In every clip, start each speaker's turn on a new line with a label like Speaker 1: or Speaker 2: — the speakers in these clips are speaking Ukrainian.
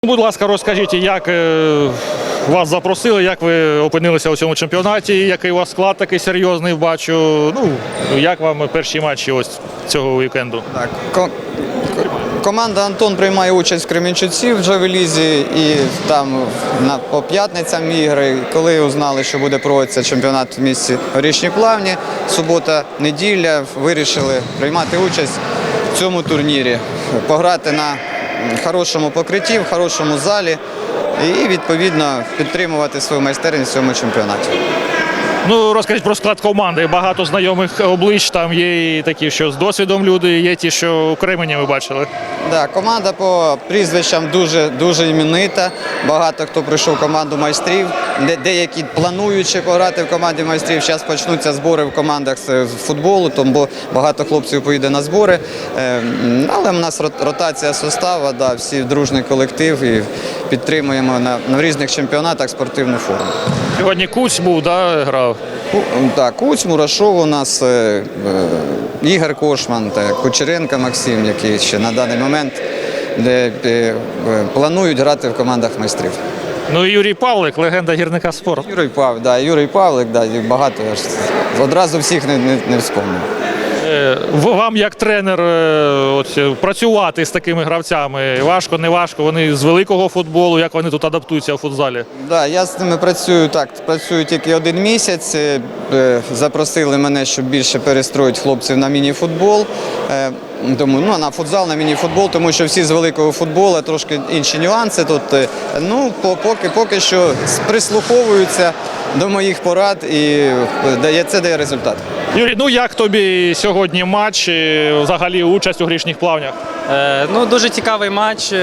Speaker 1: Будь ласка, розкажіть, як вас запросили, як ви опинилися у цьому чемпіонаті, який у вас склад такий серйозний, бачу. Ну, як вам перші матчі ось цього вікенду?
Speaker 2: Так, команда «Антон» приймає участь в Кременчуці в Джавелізі і там по п'ятницям ігри. Коли узнали, що буде проводитися чемпіонат в місті Горішні Плавні, субота, неділя, вирішили приймати участь в цьому турнірі, пограти на хорошому покритті, в хорошому залі і, відповідно, підтримувати свою майстерність в цьому чемпіонаті.
Speaker 1: Ну, розкажіть про склад команди. Багато знайомих облич, там є і такі, що з досвідом люди, є ті, що у Кремені ви бачили.
Speaker 2: Так, команда по прізвищам дуже іменита. Багато хто прийшов в команду майстрів, деякі плануючи пограти в команді майстрів. Зараз почнуться збори в командах з футболу, тому багато хлопців поїде на збори. Але в нас ротація составу, всі дружний колектив і підтримуємо на різних чемпіонатах спортивну форму.
Speaker 1: Сьогодні Куць був, грав?
Speaker 2: Так, Куць, Мурашов у нас, Ігор Кошман, Кучеренко Максим, який ще на даний момент планують грати в командах майстрів.
Speaker 1: Ну і Юрій Павлик, легенда гірника спорту.
Speaker 2: Юрій Павлик, багато, одразу всіх не вспомнив.
Speaker 1: Вам як тренер працювати з такими гравцями? Важко, не важко? Вони з великого футболу, як вони тут адаптуються у футзалі?
Speaker 2: Так, я з ними працюю тільки 1 місяць. Запросили мене, щоб більше перестроїти хлопців на міні-футбол. На футзал, на міні-футбол, тому що всі з великого футболу, трошки інші нюанси тут. Поки що прислуховуються до моїх порад і це дає результат.
Speaker 1: Юрій, як тобі сьогодні матч, взагалі участь у Горішніх Плавнях?
Speaker 3: Дуже цікавий матч.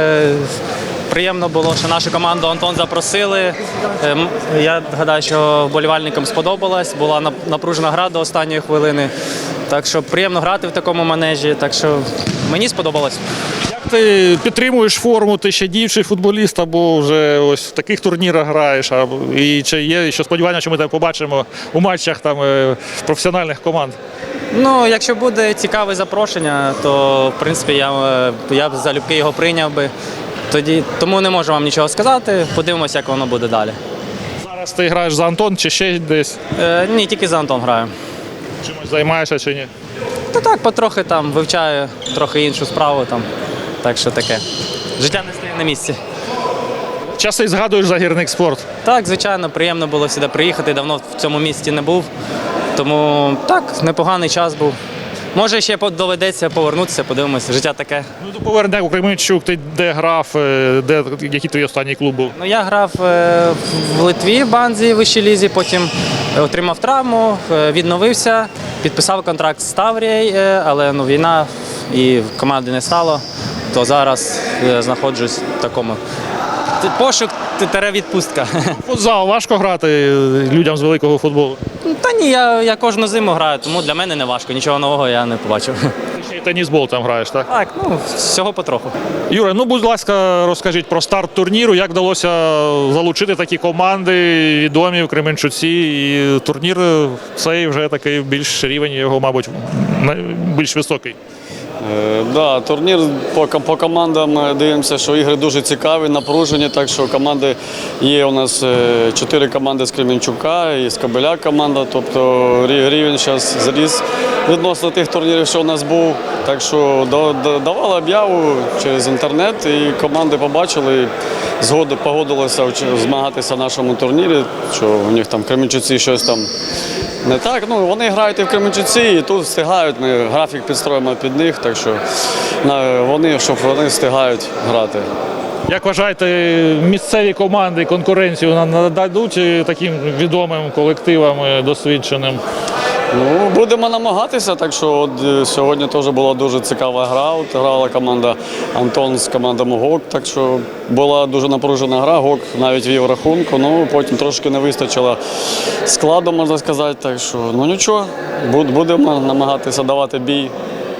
Speaker 3: Приємно було, що нашу команду «Антон» запросили. Я гадаю, що вболівальникам сподобалось. Була напружена гра до останньої хвилини. Так що приємно грати в такому манежі. Так що мені сподобалось.
Speaker 1: Як ти підтримуєш форму? Ти ще діючий футболіст або вже ось в таких турнірах граєш? І чи є ще сподівання, що ми тебе побачимо у матчах професіональних команд?
Speaker 3: Якщо буде цікаве запрошення, то в принципі я б залюбки його прийняв би. Тому не можу вам нічого сказати. Подивимося, як воно буде далі.
Speaker 1: Зараз ти граєш за «Антон» чи ще десь?
Speaker 3: Ні, тільки за «Антон» граю.
Speaker 1: Чимось займаєшся чи ні?
Speaker 3: Потрохи вивчаю трохи іншу справу. Так що таке. Життя не стає на місці.
Speaker 1: Часи згадуєш за гірник спорт?
Speaker 3: Так, звичайно, приємно було сюди приїхати. Давно в цьому місті не був. Тому непоганий час був. Може, ще доведеться повернутися, подивимося. Життя таке.
Speaker 1: Повернення у Кременчук, ти де грав, який твій останній клуб був?
Speaker 3: Я грав в Литві, в Банзі, в вищій лізі, потім отримав травму, відновився, підписав контракт з Таврією, але війна і команди не стало, то зараз знаходжусь в такому пошук – відпустка.
Speaker 1: Футзал важко грати людям з великого футболу?
Speaker 3: Та ні, я кожну зиму граю, тому для мене не важко, нічого нового я не побачив.
Speaker 1: Ти ще й тенісбол там граєш, так?
Speaker 3: Так, всього потроху.
Speaker 1: Юра, будь ласка, розкажіть про старт турніру, як вдалося залучити такі команди відомі в Кременчуці, і турнір цей вже такий більш рівень його, мабуть, більш високий.
Speaker 4: Турнір по командам дивимося, що ігри дуже цікаві, напружені, так що команди є у нас 4 команди з Кременчука і з Кобиля команда, тобто рівень зараз зріс відносно тих турнірів, що у нас був. Так що давали об'яву через інтернет і команди побачили, погодилися змагатися в нашому турнірі, що у них там в Кременчуці щось там не так. Вони грають і в Кременчуці, і тут встигають, ми графік підстроїмо під них, так що щоб вони встигають грати.
Speaker 1: Як вважаєте, місцеві команди конкуренцію нададуть таким відомим колективам досвідченим?
Speaker 4: Будемо намагатися, так що сьогодні теж була дуже цікава гра. Грала команда «Антон» з командами «ГОК», так що була дуже напружена гра, «ГОК» навіть вів рахунку, потім трошки не вистачило складу, можна сказати, так що нічого, будемо намагатися давати бій.